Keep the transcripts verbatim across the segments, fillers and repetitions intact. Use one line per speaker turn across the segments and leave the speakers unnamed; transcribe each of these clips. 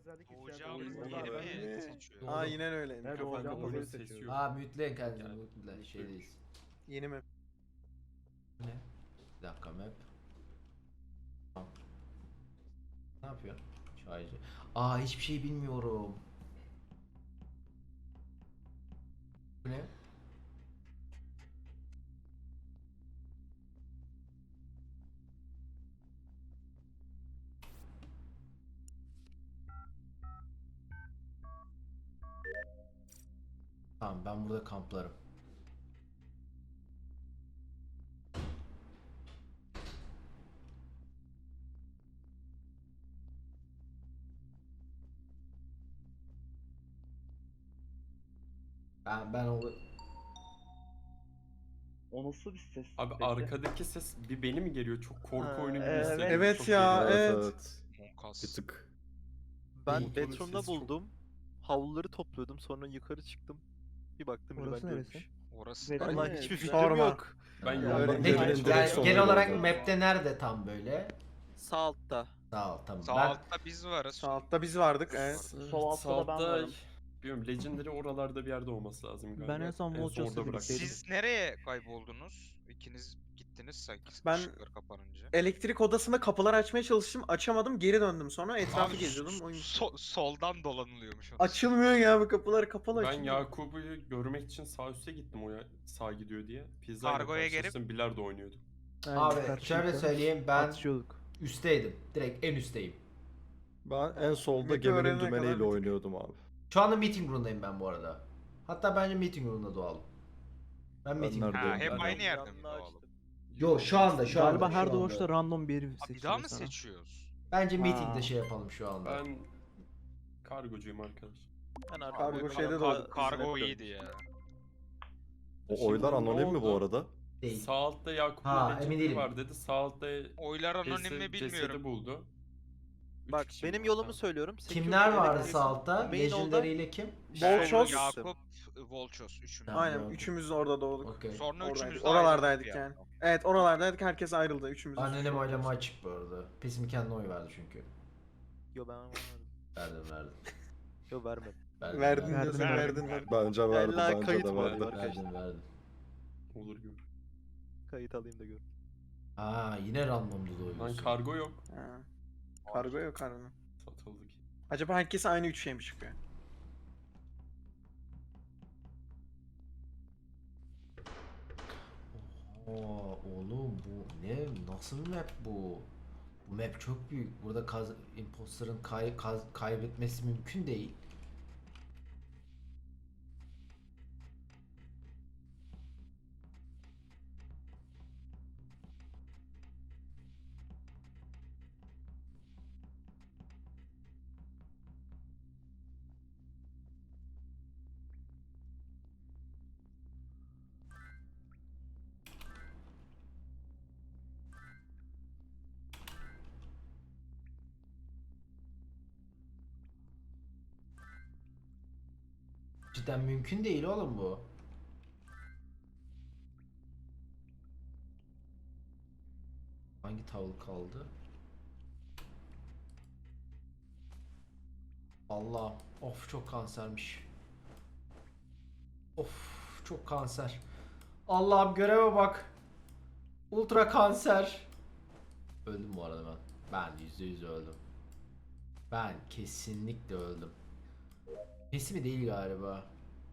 özellik
Doğacağımız
ihtiyacımız
yeri
var.
mi
Ben-
seçiyoruz?
Doğru.
Aynen öyle.
Evet,
Mikrofon
doğacağımız
kapalı.
yeri
ses
seçiyoruz.
yok.
Aa,
Aa
mütleyin kendinizi
Yani,
mutle.
mutluyum.
Şeydeyiz. Yeni map.
Ne? Bir dakika map. Tamam. Ne yapıyor? Çaycı. Aa hiçbir şey bilmiyorum. Bu ne? Tamam ben burada kamplarım. Ben ben o
O nasıl bir ses?
Abi
peki?
arkadaki ses bir beni mi geliyor? Çok korku
Ha,
oyunu gibi
evet.
hissediyorum.
Evet
Çok
ya,
geliyor.
evet.
Monkas.
Bir tık.
Motorun
Ben bedroom'da
sesi çok-
buldum. Havluları topluyordum. Sonra yukarı çıktım. Bir baktım biri
Orası
ben
neresi?
görmüş.
Orası
Verin.
Vallahi
Evet,
hiçbir fikrim
sorma.
yok.
Ben
Ya,
yoldan
öyle-
ne,
geçmeye
Aynen,
gel,
direkt
çalışıyorum.
genel olarak
Ya.
map'te nerede tam böyle?
Sağ altta.
Sağ ol tamam.
Sağ
ben
altta biz varız.
Sağ altta biz vardık. Evet.
Sol altta da ben
Sağda,
varım.
bilmiyorum, Legendary oralarda bir yerde olması lazım galiba.
Ben en son
son
Vultures'la
orada bıraktım.
birlikteydim.
Siz nereye kayboldunuz? İkiniz gittiniz sanki
Ben-
ışıklar kapanınca.
Elektrik odasında kapılar açmaya çalıştım. Açamadım. Geri döndüm sonra. Etrafı
Abi,
geziyordum.
so-
Oyun...
so- soldan dolanılıyormuş. onun.
Açılmıyor ya, bu kapılar kapalı
Ben
açılmıyor.
Yakup'u görmek için sağ üste gittim, o ya sağ gidiyor diye. Pizza
Kargoya gelip-
bilardo oynuyorduk.
Aynen,
Abi
karşılıklı
şöyle söyleyeyim ben
atışıyorduk.
üstteydim. Direkt en üstteyim.
Ben en solda
Map'i
geminin
öğrenene kadar bir
dümeniyle
tık.
oynuyordum abi.
Şu anda meeting room'dayım ben bu arada. Hatta bence meeting room'da doğalım. Ben meeting
nerede?
room'dayım.
Ha, hep
Ben-
aynı yerde mi
Yanına
doğalım?
açtım.
Yo şu anda şu anda.
Galiba
şu
her
anda.
doğuşta random bir yeri
Ha, bir
seçiyor
daha mı
sana.
seçiyoruz?
Bence
Ha.
meetingde şey yapalım şu anda.
Ben kargocuyum arkadaş.
Ben artık
Kargo
böyle
şeyde de
kar-
oldu.
Kargo
hizmet
iyiydi ya.
O
Şimdi
oylar
ne
anonim mi bu
oldu?
arada?
Değil.
Sağ altta Yakup'un
Ha, emin
Legendary
değilim.
var dedi. Sağ altta
Oylar anonim
cesedi,
mi
cesedi
bilmiyorum.
buldu. Üç
Bak
kişi
benim
var.
yolumu
Tamam.
söylüyorum.
Kimler
Security
vardı
elektrik-
sağ altta?
Main
Legendary ile kim?
Volchos.
Ben-
Yakup, Volchos üçümüz.
Tamam,
Aynen.
gördüm.
Üçümüz de orada doğduk.
Okey.
Sonra
Oradaydık.
üçümüz de
Oralardaydık
ayrıldık
yani. Evet, oralardaydık. Herkes ayrıldı. Üçümüz.
Annenem oylama açık bu arada. Pesim kendine oy verdi çünkü.
Yo ben vermedim.
Verdim verdim.
Yo vermedim.
Verdim
Verdin
verdim.
diyorsun,
Verdin.
verdin. verdin.
Bence verdi,
Ella
bence
kayıt
de
mı
verdi.
oluyor?
Verdim verdim.
Olur gör.
Kayıt alayım da gör.
Aa yine randomda
Lan
doyuyorsun.
kargo yok.
Ha. Kargo yok kargo.
Satıldı ki.
Acaba herkes aynı üç şey mi çıkıyor?
Oo oğlum bu ne? Nasıl bir map bu? Bu map çok büyük. Burada kaz imposter'ın kay kaz kaybetmesi mümkün değil. Cidden mümkün değil oğlum bu. Hangi tavuk kaldı? Allah, of çok kansermiş. Of çok kanser. Allah'ım göreve bak. Ultra kanser. Öldüm bu arada ben. Ben yüzde yüz öldüm. Ben kesinlikle öldüm. Kesin mi değil galiba.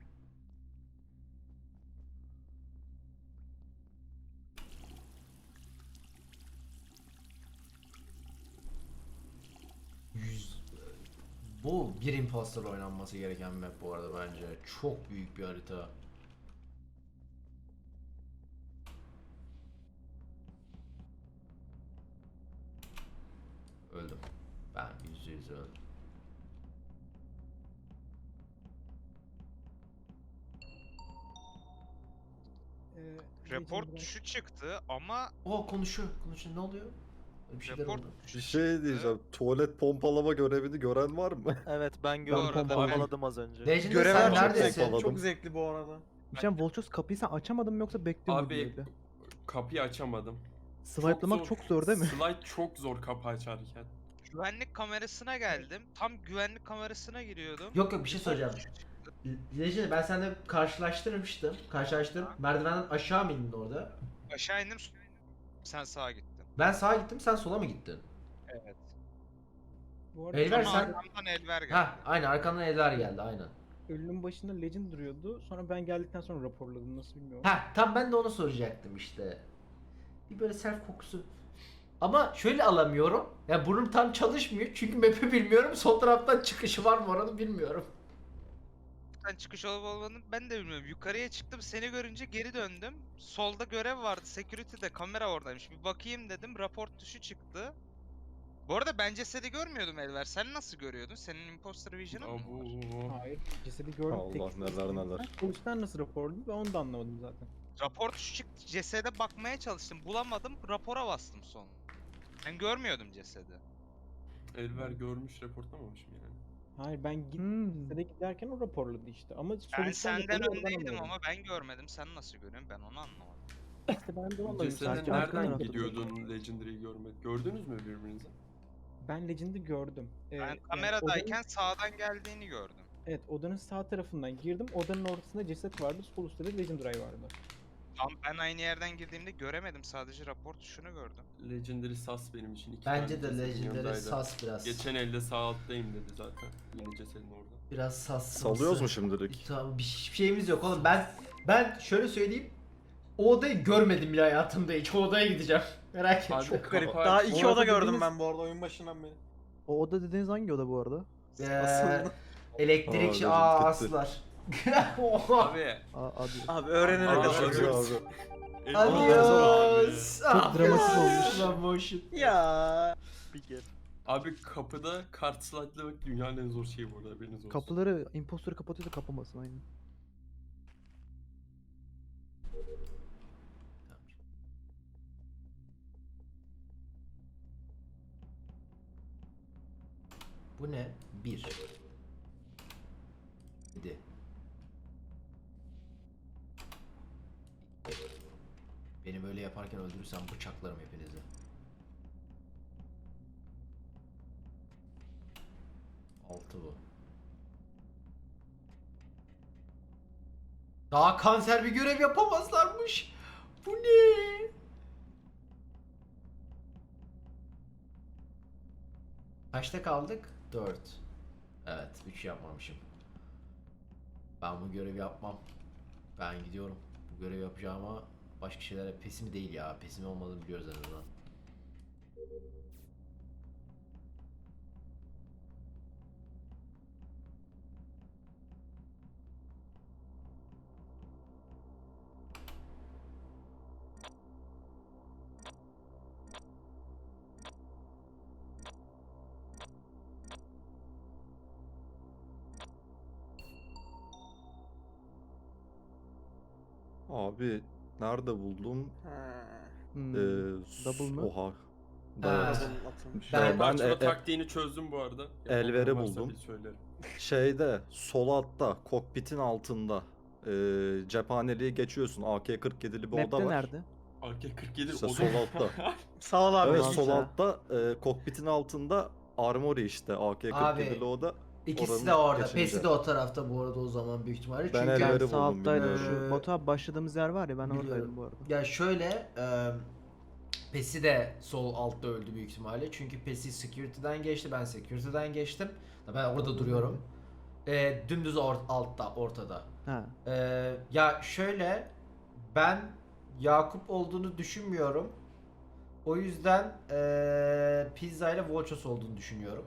Yüz... Bu bir imposter oynanması gereken map bu arada bence. Çok büyük bir harita. Öldüm. Ben yüzde yüz öldüm.
Report şu çıktı ama
O konuşuyor. Konuşuyor. Ne oluyor? Bir şeyler
report
oldu.
Bir şey diyeceğim. Tuvalet pompalama görevini gören var mı?
Evet ben gördüm.
arada
Pompaladım az önce.
Legendary
Görevler
sen
çok
neredesin?
zevkli,
Yakaladım.
çok zevkli bu arada.
Bir şey Volchos kapıyı sen açamadın mı yoksa bekliyor muydun
Abi
öyle?
kapıyı açamadım.
Swipe'lamak çok zor değil mi?
Slide çok zor kapı açarken.
güvenlik kamerasına geldim. Tam güvenlik kamerasına giriyordum.
Yok yok bir şey söyleyeceğim. Legend ben seninle karşılaştırmıştım. Karşılaştırdım. Merdivenden aşağı mı indin orada?
Aşağı indim. Sen sağa gittin.
Ben sağa gittim, sen sola mı gittin?
Evet.
Bu arada
Elver
Ama
sen...
arkamdan Elver geldi.
Ha, aynen arkandan eller geldi aynen.
ölünün başında Legend duruyordu. Sonra ben geldikten sonra raporladım. Nasıl bilmiyorum.
Ha, tam ben de onu soracaktım işte. Bir böyle self kokusu. Ama şöyle alamıyorum. Ya burnum tam çalışmıyor çünkü map'i bilmiyorum. Sol taraftan çıkışı var mı oranı bilmiyorum.
Sen çıkış olup olmadığını ben de bilmiyorum. Yukarıya çıktım, seni görünce geri döndüm. Solda görev vardı, security'de kamera oradaymış. Bir bakayım dedim, rapor tuşu çıktı. Bu arada ben cesedi görmüyordum Elver. Sen nasıl görüyordun? Senin imposter vision'ın mı var?
Abu.
Hayır. Cesedi gördüm.
Allah
tek
neler
sıkıntı.
neler.
Ben Polisten nasıl raporladım ben onu da anlamadım zaten.
Rapor tuşu çıktı, cesede bakmaya çalıştım. Bulamadım, rapora bastım son. Ben görmüyordum cesedi.
Elver görmüş reportlamamış mı yani?
Hayır ben git
Hmm.
cesede giderken o raporladı işte. Ama
Ben
sonuçtan
senden
raporu oradan
öndeydim
anlamadım.
ama ben görmedim. Sen nasıl görüyorsun? Ben onu anlamadım.
İşte ben de anlamadım.
Cesede
Sadece arka
nereden
tarafta
gidiyordun Legendary'i görmek? Gördünüz mü birbirinizi?
Ben Legend'i gördüm. Ee,
Ben
yani
kameradayken
odanın-
sağdan geldiğini gördüm.
evet odanın sağ tarafından girdim. Odanın ortasında ceset vardı. Sol üstte de Legend Ray vardı.
Ama ben aynı yerden girdiğimde göremedim. Sadece rapor tuşunu gördüm.
Legendary sas benim için. İki
Bence
tane
de
cesedin
Legendary
yanındaydı.
sas biraz.
Geçen elde sağ alttayım dedi zaten. Yine cesedin orada.
Biraz sas.
Salıyoruz mu şimdilik?
Tamam bir hiçbir şeyimiz yok oğlum. Ben ben şöyle söyleyeyim. O odayı görmedim bile hayatımda hiç. O odaya gideceğim. Merak etme.
Abi,
Çok garip.
Kafa-
Daha iki
Bu
oda
arada
gördüm
dediğiniz-
ben bu arada oyun başından beri.
O oda dediğiniz hangi oda bu arada?
Ee,
Aslında.
elektrik
Aa,
aa
Legend gitti.
aslar. Oha.
Abi.
Aa, adı.
Abi öğrenene
Abi,
kadar.
abi.
Acı abi.
Adios.
Çok dramatik olmuş.
Slow motion.
Ya. Bir kere.
Abi kapıda kart slide'lamak dünyanın en zor şeyi bu arada, haberiniz olsun.
Kapıları imposter kapatıyor da kapamasın aynen.
Bu ne? Bir. Yedi. Beni böyle yaparken öldürürsem bıçaklarım hepinizi. Altı bu. Daha kanser bir görev yapamazlarmış. Bu ne? Kaçta kaldık? dört. Evet, üç yapmamışım. Ben bu görevi yapmam. Ben gidiyorum. Bu görevi yapacağıma başka şeylere pesimi değil ya. Pesimi olmadığını biliyoruz en azından.
Abi nerede buldum?
Ha.
Hmm.
Ee,
double mı?
Oha.
Ha.
Evet.
Double atılmış.
Ben-
Ben
Ben
e- e-
taktiğini çözdüm bu arada.
Elver'i
Yapanlar varsa
buldum.
bir söylerim.
Şeyde sol altta kokpitin altında ee, cephaneliği geçiyorsun. A K kırk yedili bir oda
Map'te
var.
nerede?
A K kırk yedi
İşte
o da-
sol altta.
Sağ ol abi.
Evet
Ulan
sol
sen.
altta ee, kokpitin altında armory işte A K
Abi,
kırk yedili oda.
İkisi
Oranın
de orada.
geçince.
Pesi de o tarafta bu arada o zaman büyük ihtimalle.
Ben
Çünkü
Elver'i
Ben sağ
buldum,
alttaydım.
bilmiyorum.
Şu Batu abi başladığımız yer var ya ben
Biliyorum.
oradaydım bu arada.
ya şöyle e, Pesi de sol altta öldü büyük ihtimalle. Çünkü Pesi security'den geçti. Ben security'den geçtim. Ben orada duruyorum. E, dümdüz or- altta, ortada.
Ha.
E, ya şöyle ben Yakup olduğunu düşünmüyorum. O yüzden e, Pizza ile Volchos olduğunu düşünüyorum.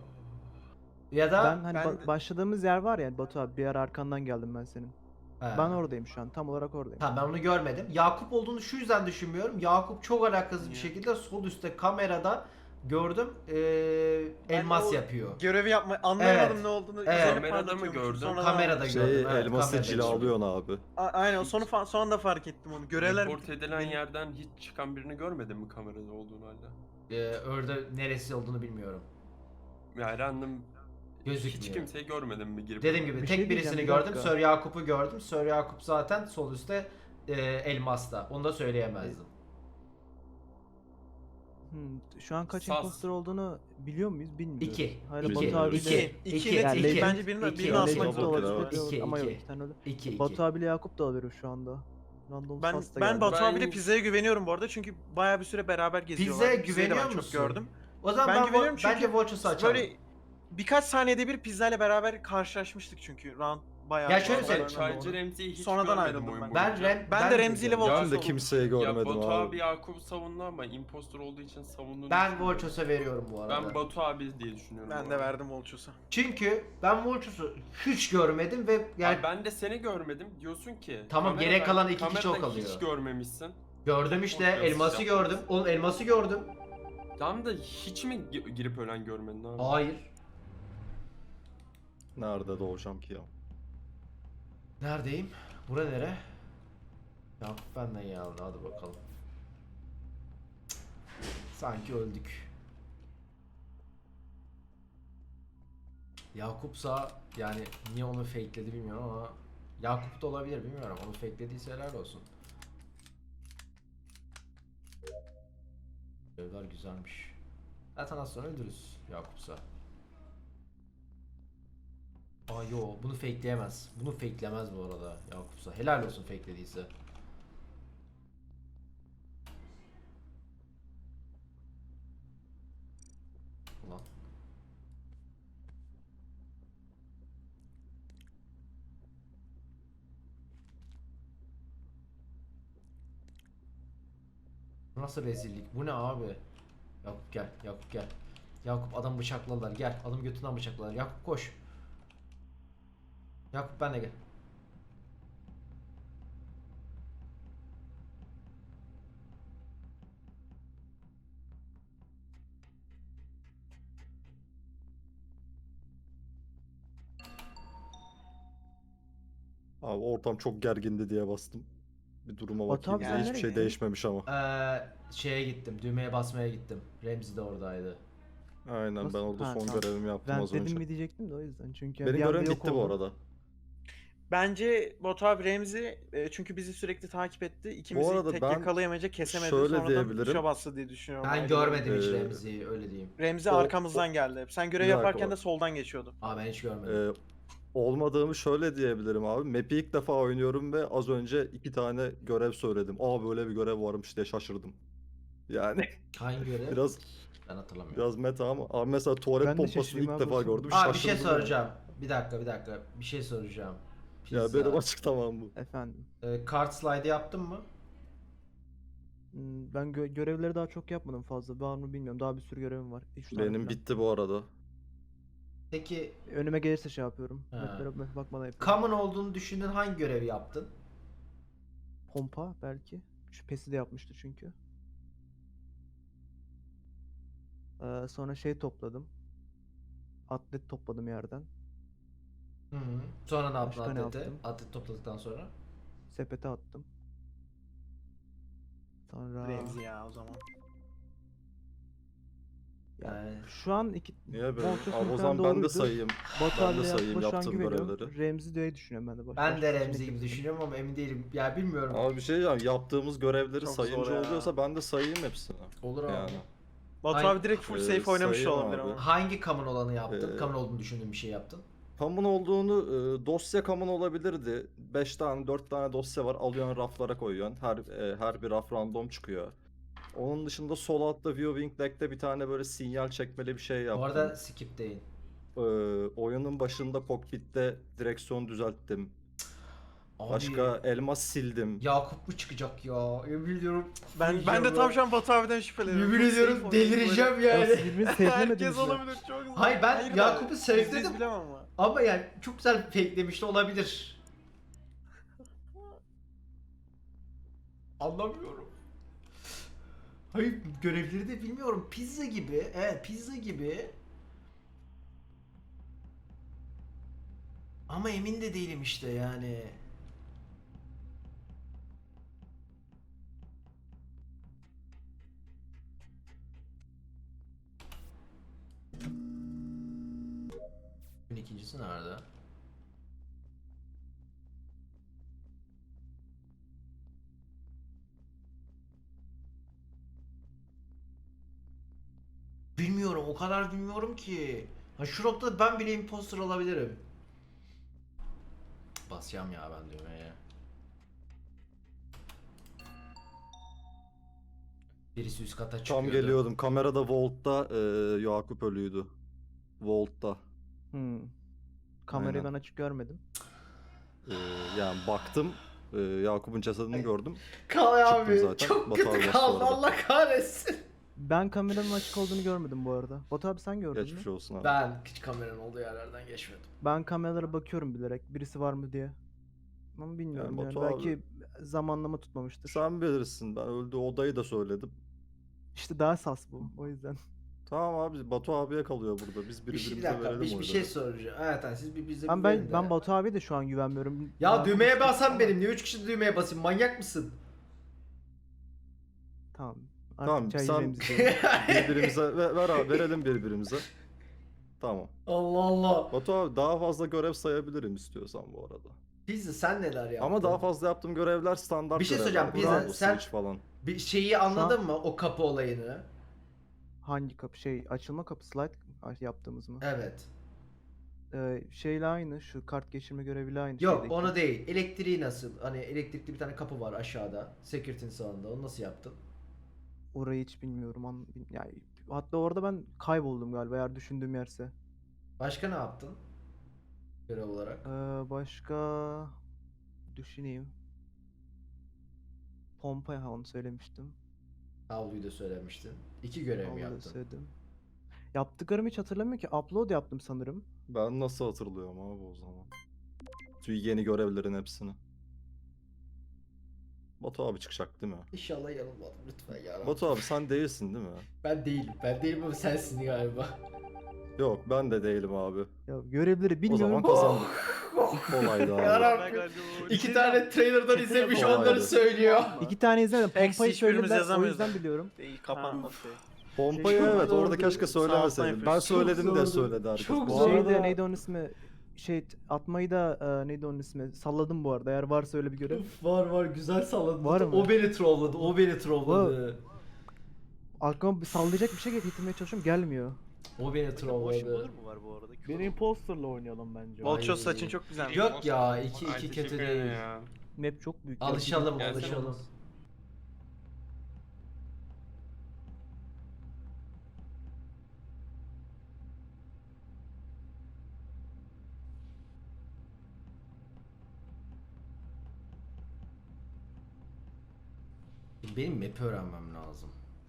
Ya da
Ben hani
ben
ba-
de-
başladığımız yer var ya Batu abi bir ara arkandan geldim ben senin.
He.
Ben oradayım şu an tam olarak oradayım.
Tamam ben onu görmedim. Yakup olduğunu şu yüzden düşünmüyorum. Yakup çok alakasız bir
Niye?
şekilde sol üstte kamerada gördüm ee,
Ben
elmas
o
yapıyor.
Görevi yapma anlayamadım
Evet.
ne olduğunu.
Evet.
üzerine
Kamerada mı
parlatıyormuşum.
gördün?
Sonradan
Kamerada
anladım.
Şey
gördüm. evet,
elması
kamerada gördüm.
cilalıyorsun abi.
A- aynen sonu fa- son anda fark ettim onu. Görevler
Report edilen yerden hiç çıkan birini görmedin mi kamerada olduğunu halde?
Ee, orada neresi olduğunu bilmiyorum.
Yani random
Gözükmüyor.
hiç kimseyi görmedim mi girip?
Dediğim gibi
Bir
tek
şey
birisini
diyeceğim, bir
gördüm.
dakika.
Sir Yakup'u gördüm. Sir Yakup zaten sol üstte ee, elmasta. Onu da söyleyemezdim.
Hmm, şu an kaç
Sas.
imposter olduğunu biliyor muyuz bilmiyoruz.
İki.
Hala
İki.
Batu abiyle...
İki.
İki,
İki.
net
Yani
iki.
Legend-
Bence birini,
iki.
birini
İki.
asmak
İki.
da olabilir.
olabilir,
İki.
biliyoruz
İki.
ama yok
İki.
iki tane öyle.
İki.
Batu
iki.
abiyle Yakup da olabilir şu anda. Random
Ben
Sas da
ben
geldi.
Batu
Ben-
abiyle pizzaya güveniyorum bu arada çünkü bayağı bir süre beraber geziyorlar.
Pizzaya
Pizzayı da
güveniyor
ben
musun?
çok gördüm.
O zaman
Ben
ben,
güveniyorum
vo-
çünkü
bence Volchos'u açalım.
Böyle birkaç saniyede bir pizzayla beraber karşılaşmıştık çünkü round bayağı.
Ya şöyle
round
söyleyeyim.
sonradan
Çaycı
doğru.
Remzi'yi hiç
Sonradan
görmedim
ayrıldım
oyun
ben.
Ben
boyunca.
Rem,
Ben de Remzi ile
görmedim.
Volchos
Ben de
oldum.
kimseyi görmedim
Ya Batu
abi.
abi Yakup'u savundu ama impostor olduğu için savunduğunu
Ben
düşünmüyorum.
Volchos'a veriyorum bu arada.
Ben Batu abi diye düşünüyorum.
Ben
bu
de
arada.
verdim Volchos'a.
Çünkü ben Volchos'u hiç görmedim ve yani
Abi ben de seni görmedim diyorsun ki.
Tamam,
kamerada-
geri kalan iki kişi
kamerada
o kalıyor.
hiç görmemişsin.
gördüm işte,
Volchos
elması
yaptınız.
gördüm. Oğlum elması gördüm.
Tamam da hiç mi gi- girip ölen görmedin abi?
Hayır.
Nerede doğacağım ki ya?
Neredeyim? Bura nere? Yakup benden ya, hadi bakalım. Cık. Sanki öldük. Yakup'sa yani niye onu fakeledi bilmiyorum ama Yakup da olabilir, bilmiyorum. Onu fakelediyse helal olsun. Evler güzelmiş. Zaten az sonra öldürürüz Yakup'sa. Aa yo, bunu fakeleyemez. Bunu fakelemez bu arada Yakup'sa. Helal olsun fakelediyse. Ulan. Nasıl rezillik? Bu ne abi? Yakup gel, Yakup gel. Yakup adam bıçakladılar. Gel, adam götünden bıçakladılar. Yakup koş. Yakup benle gel.
Abi ortam çok gergindi diye bastım. Bir duruma
Batu
bakayım.
abi
Bize
sen
hiçbir
nereye
şey
gittin?
değişmemiş ama.
Ee, şeye gittim. Düğmeye basmaya gittim. Remzi de oradaydı.
Aynen, ben
Nasıl?
orada
Ha,
son
tamam.
görevimi yaptım
Ben
az
dedim
önce.
mi diyecektim de o yüzden. Çünkü
Benim
bir anda
görevim
yok
bitti bu
oldu.
arada.
Bence Batu abi Remzi e, çünkü bizi sürekli takip etti. İkimizi
arada
tek
ben
yakalayamayınca kesemedi.
şöyle
Sonradan
diyebilirim.
tuşa bastı diye düşünüyorum.
Ben
Ayrı
görmedim hiç
Ee,
Remzi'yi, öyle diyeyim.
Remzi
O-
arkamızdan geldi hep. Sen görev
Bir dakika,
yaparken
o-
de soldan geçiyordu.
Aa ben hiç görmedim.
Ee, olmadığımı şöyle diyebilirim abi. Map'i ilk defa oynuyorum ve az önce iki tane görev söyledim. Aa böyle bir görev varmış diye şaşırdım. Yani
Hangi görev?
biraz
Ben hatırlamıyorum.
biraz meta ama abi mesela tuvalet
Ben de
pompasını
şaşırayım
ilk
abi,
defa
olsun.
gördüm.
Aa bir şey
şaşırdım yani.
soracağım. Bir dakika bir dakika. Bir şey soracağım.
Ya
Pizza.
benim açık tamam bu.
Efendim.
Ee, kart slide yaptın mı?
Hmm, Ben gö- görevleri daha çok yapmadım fazla. Var mı bilmiyorum. Daha bir sürü görevim var. Üç tane
Benim
falan.
bitti bu arada.
Peki
Önüme gelirse şey yapıyorum.
Ha.
Map'lere map bakmadan yapıyorum.
common olduğunu düşündüğün hangi görevi yaptın?
Pompa belki. Şüphesi de yapmıştı çünkü. Ee, sonra şey topladım. Atlet topladım yerden.
Hı hı. Sonra ne yaptın
Başka ne
atleti?
yaptım?
Atlet topladıktan sonra?
Sepete attım. Sonra
Remzi ya o zaman.
Yani
şu an iki
Niye böyle?
Volchos
Abi o
muhtemelen
zaman ben de
doğruydu.
sayayım.
Batu
ben de
abiyle
sayayım
Yakup'a şu an
yaptığım
güveniyorum.
görevleri.
Remzi diye düşünüyorum ben de. Baş-
ben
başka
de
seçenek
Remzi gibi
yok.
düşünüyorum ama emin değilim. Ya bilmiyorum.
Abi bir şey diyeceğim. Yaptığımız görevleri
Çok zor
sayınca
ya.
oluyorsa ben de sayayım hepsini.
Olur abi.
Yani.
Batu
Ay-
abi direkt full
Ee,
safe oynamış da
sayayım
olabilir
abi.
ama.
Hangi common olanı yaptın?
Ee,
Common olduğunu düşündüğün bir şey yaptın.
Common olduğunu e, dosya common olabilirdi. beş tane dört tane dosya var. Alıyorsun raflara koyuyorsun. Her e, her bir raf random çıkıyor. Onun dışında sol altta viewing deck'te bir tane böyle sinyal çekmeli bir şey yaptım.
Bu arada skip değil.
Ee, oyunun başında kokpitte direksiyon düzelttim.
Abi,
Başka elmas sildim.
Yakup mu çıkacak ya? Yemin ediyorum.
Ben ben de tam şu an Batu abiden şüpheleniyorum.
Yemin
Full
ediyorum
safe oynamış
delireceğim
Ya
yani.
siz birbirini
böyle.
sevmediniz
Herkes
ya.
olabilir çok güzel.
Hayır, ben
da
Yakup'u
yüzde yüz
sevdim.
bilemem ama.
Ama yani çok güzel fakelemiş de olabilir. Anlamıyorum. Hayır, görevleri de bilmiyorum. Pizza gibi. Evet, pizza gibi. Ama emin de değilim işte yani. Gün ikincisi nerede? O kadar bilmiyorum ki. Ha şu noktada ben bile imposter olabilirim. Basacağım ya ben düğmeye. Birisi üst kata çıkıyordu.
Tam geliyordum. Kamerada Vault'ta e, Yakup ölüydü. Vault'ta.
Hmm. Kamerayı
Aynen.
ben açık görmedim.
E, yani baktım. e, Yakup'un cesedini gördüm.
Kal
Çıktım
abi.
zaten,
Çok
Batu abi
kötü
bastı
kaldı
orada.
Allah kahretsin.
Ben kameranın açık olduğunu görmedim bu arada. Batu abi sen gördün
Geçmiş
mü?
olsun abi.
Ben hiç kameranın olduğu yerlerden geçmedim.
Ben kameralara bakıyorum bilerek birisi var mı diye. Ama bilmiyorum yani,
Batu abi-
belki zamanlama tutmamıştır.
Sen bilirsin. Ben öldüğü odayı da söyledim.
İşte daha sas bu o yüzden.
Tamam abi Batu abiye kalıyor burada. Biz
Bir, şey, bir
birbirimize
dakika
verelim
bir, bir
oyları.
şey soracağım. Evet hani siz bir bize
Ben
bir
ben
verin de.
ben Batu abi de şu an güvenmiyorum.
Ya
Daha
düğmeye
konuştuk
basan
ama-
benim. Niye üç kişi düğmeye basayım? Manyak mısın?
Tamam. Artık
Tamam
çay
sen
yiyeceğimizi söyle.
birbirimize ver, ver abi verelim birbirimize. Tamam.
Allah Allah.
Batu abi daha fazla görev sayabilirim istiyorsan bu arada.
Pizza sen neler yaptın?
Ama daha fazla yaptığım görevler standart
Bir şey
görevler.
söyleyeceğim, Pizza,
Bravo,
sen-
Switch falan.
Bir şeyi anladın mı? O kapı olayını.
Hangi kapı şey açılma kapı slide yaptığımız mı?
Evet.
Ee, şeyle aynı şu kart geçirme göreviyle aynı
Yok
şeydeki.
onu değil. Elektriği nasıl? Hani elektrikli bir tane kapı var aşağıda. Security'nin sağında. Onu nasıl yaptın?
Orayı hiç bilmiyorum. An yani hatta orada ben kayboldum galiba eğer düşündüğüm yerse.
Başka ne yaptın? Görev olarak.
Ee, başka düşüneyim. Pompa ha onu söylemiştim.
Havluyu da söylemiştin. İki görev mi
Onu da
yaptın?
söyledim. Yaptıklarımı hiç hatırlamıyorum ki. Upload yaptım sanırım.
Ben nasıl hatırlıyorum abi o zaman. Şu yeni görevlerin hepsini. Batu abi çıkacak değil mi?
İnşallah yanılmadım lütfen ya.
Batu abi sen değilsin değil mi?
Ben değilim. Ben değilim ama sensin galiba.
Yok ben de değilim abi.
Ya görevleri
O
bilmiyorum.
zaman kazandık. Kolaydı abi.
Yarabbim. İki tane trailer'dan izlemiş onları
Kolaydı.
söylüyor.
İki tane izledim.
Eksi
Pompayı
hiçbirimiz
söylediler o
yazamıyoruz
yüzden
yani.
biliyorum.
Değil kapanmadı şey.
Pompayı
Keşke
evet
orada
orada keşke
sağ alttan
söylemeseydin. Ben
yapıyorsun.
söyledim
Çok
de
zordu.
söyledi herkes.
Çok
Bu
zor.
arada-
Şeyde neydi onun ismi? Şey atmayı da e, neydi onun ismi? Salladım bu arada eğer varsa öyle bir görev.
Var var güzel salladın.
Var mı?
O beni trolladı. O beni trolladı.
Aklıma bir sallayacak bir şey getirmeye çalışıyorum gelmiyor.
O beni
Boş
trolladı.
olur mu var bu arada?
Bir imposterla oynayalım bence.
Volcho
Ay.
saçın çok güzel.
Yok ya iki
Ay,
iki
teşekkür
kötü
ederim
değil.
ya.
Map çok büyük.
Alışalım
Gelsene
alışalım.
oğlum.
Benim map'i öğrenmem lazım.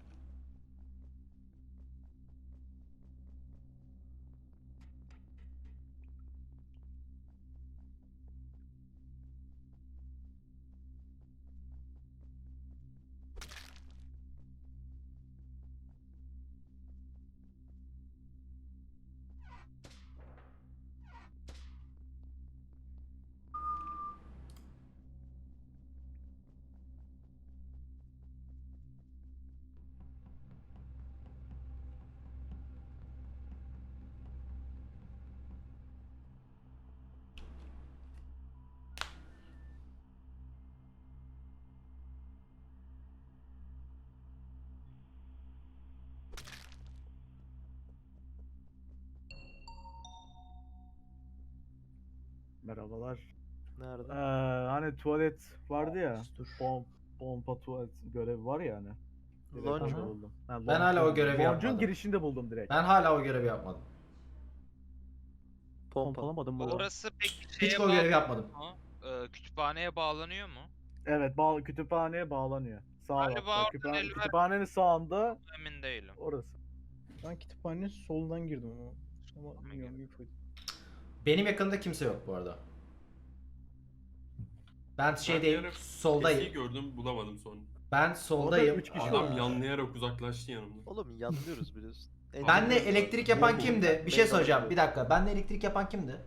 Merhabalar.
Nerede?
Ee, hani tuvalet vardı ya.
Dur.
Pom, pompa tuvalet görevi var ya hani. Direkt
Lounge
orada
mu?
buldum. Ha,
Ben hala
lounge'un-
o görevi
lounge'un
yapmadım.
girişinde buldum direkt.
Ben hala o görevi yapmadım.
Pompa.
Pompalamadım bu arada.
Orası peki şeye
Hiç o görevi
bağlanıyor
yapmadım.
mu? Ee, kütüphaneye bağlanıyor mu?
Evet, bağ kütüphaneye bağlanıyor. Sağ
Galiba
altta.
oradan
Kütüphane,
el ver-
kütüphanenin sağında
Emin değilim.
orası. Ben kütüphanenin solundan girdim ama. Ama bilmiyorum büyük ihtimal.
Benim yakında kimse yok bu arada. Ben şeydeyim,
bir ara Kesin'i
soldayım.
gördüm bulamadım sonra.
Ben soldayım.
üç kişi
Adam
Aa.
yanlayarak uzaklaştı yanımdan.
Oğlum yanlıyoruz biliyorsun. En
Benle
yanlıyoruz
elektrik
abi.
yapan
Bomba
kimdi?
bomba.
Bir şey
Ben
soracağım.
de-
Bir dakika. Benle elektrik yapan kimdi?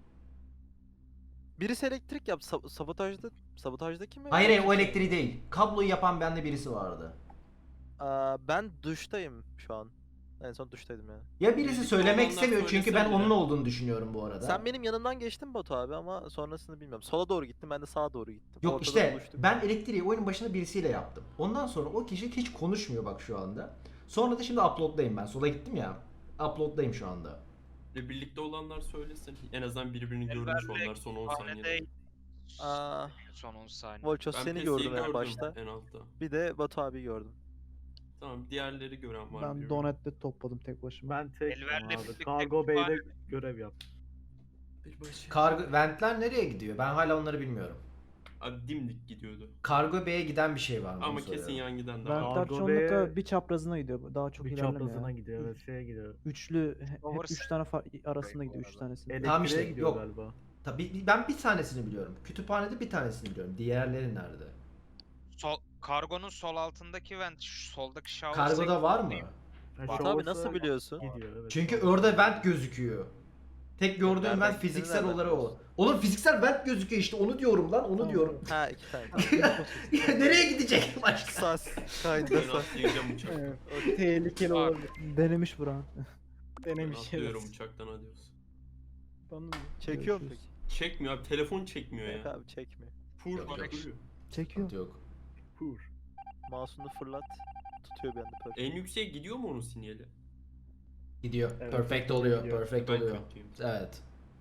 Birisi elektrik yap. Sab- sabotajda sabotajdaki mi?
Hayır hayır o elektriği değil. Kabloyu yapan bende birisi vardı.
Aa, ben duştayım şu an. En son duştaydım yani.
Ya birisi
Birisi
söylemek
olanlar
istemiyor çünkü ben
söylesene.
onun olduğunu düşünüyorum bu arada.
Sen benim yanımdan geçtin Batu abi ama sonrasını bilmiyorum. Sola doğru gittim, ben de sağa doğru gittim.
Yok
Ortada
işte
buluştuk.
ben elektriği oyunun başında birisiyle yaptım. Ondan sonra o kişi hiç konuşmuyor bak şu anda. Sonra da şimdi upload'dayım ben. Sola gittim ya. upload'dayım şu anda.
Ve birlikte olanlar söylesin. En azından birbirini
Elver
görmüş
ve
onlar son on saniyede.
Sahnede
Aa,
son on saniye.
Volchos
Ben
seni
Pesi'yi
gördüm en
gördüm
başta.
en altta.
Bir de Batu abi gördüm.
Tamam diğerleri gören var mı?
Ben
diyorum.
donette topladım tek başıma.
Ben tek
Elver'le
abi.
birlikte
Cargo Bay'de
kütüphane-
görev yaptım.
Bir başı.
Kargo ventler nereye gidiyor? Ben hala onları bilmiyorum.
Abi dimdik gidiyordu.
Kargo B'ye giden bir şey var mı?
Ama
Onu
kesin
soruyorum.
yan giden de var.
Ventler
Cargo
çoğunlukla
B'ye
bir çaprazına gidiyor. Daha çok
Bir
ilerlemiyor.
çaprazına
ya.
gidiyor evet şeye gidiyor.
Üçlü, he- hep
Overseas
üç tane fa- arasında gidiyor, üç tanesi.
Elektriğe
Tamam işte,
gidiyor
yok.
galiba.
Tabii ben bir tanesini biliyorum. Kütüphanede bir tanesini biliyorum. Diğerleri nerede?
Sol, kargonun sol altındaki vent, şu soldaki shower
Kargoda var mı?
Yani
Batu
Batu abi
Showers'a
nasıl biliyorsun?
Gidiyor evet.
Çünkü
Showers'a
orada
gidiyor.
vent gözüküyor. Tek gördüğüm
Nereden
vent
gittiğini
fiziksel
nereden
olarak o.
biliyorsun?
Oğlum fiziksel vent gözüküyor işte onu diyorum lan onu
Tamam.
diyorum.
Ha iki tane.
Nereye gidecek başka?
Sas. Kaydı
Ben
sas.
atlayacağım uçaktan.
Evet, tehlikeli
Bak.
olabilir.
Denemiş Burak'ın.
Ben
Denemiş
atlıyorum
evet.
uçaktan adios.
Anladın mı?
Çekiyor mu
Görüşürüz.
peki?
Çekmiyor abi telefon çekmiyor
Yok
ya.
abi çekmiyor.
Pur
Yok,
bak
yok.
duruyor.
Çekiyor.
Yok.
Pur.
Mouse'unu fırlat. Tutuyor bir anda perfect.
En yükseğe gidiyor mu onun sinyali?
Gidiyor.
Evet,
Perfect
gidiyor,
oluyor.
gidiyor.
Perfect
Ben
oluyor.
kötüyüm.
Evet.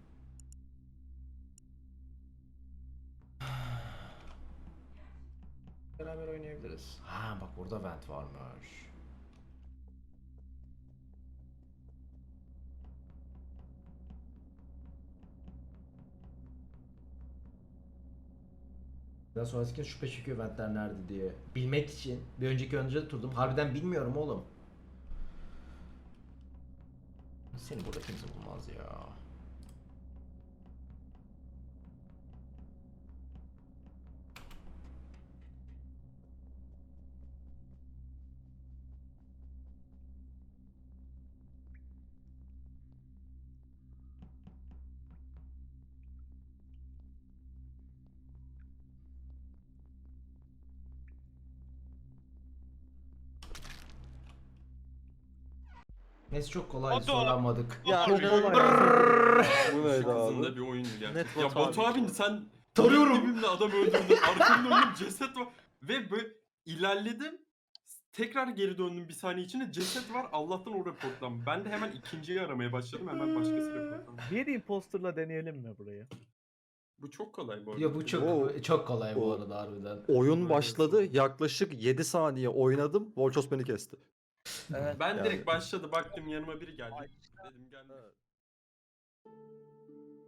Beraber oynayabiliriz. Ha bak burada vent varmış. Daha sonrasında şüphe çekiyor ventler nerede diye. Bilmek için bir önceki önce turdum. Harbiden bilmiyorum oğlum. Seni burada kimse bulmaz ya. Neyse çok kolay
Hadi
soramadık.
Ya
Çok
inanılmaz.
kolay.
Bu neydi
Çok hızında
abi?
bir oyun gerçekten.
Net
Ya
Batu
Batu
abi.
abi sen
Tarıyorum.
dibimde adam öldürdün. Arkamda önüm ceset var. Ve böyle ilerledim. Tekrar geri döndüm bir saniye içinde ceset var. Allah'tan o reportlan. Ben de hemen ikinciyi aramaya başladım. Hemen başkası reportlan.
Bir imposterla deneyelim mi burayı?
Bu çok kolay bu arada.
Ya bu çok
O-
çok kolay bu
o-
arada harbiden.
Oyun başladı. Yaklaşık yedi saniye oynadım. Volchos beni kesti.
Evet.
Ben
Yani-
direkt başladı baktım yanıma biri geldi. Dedim geldi.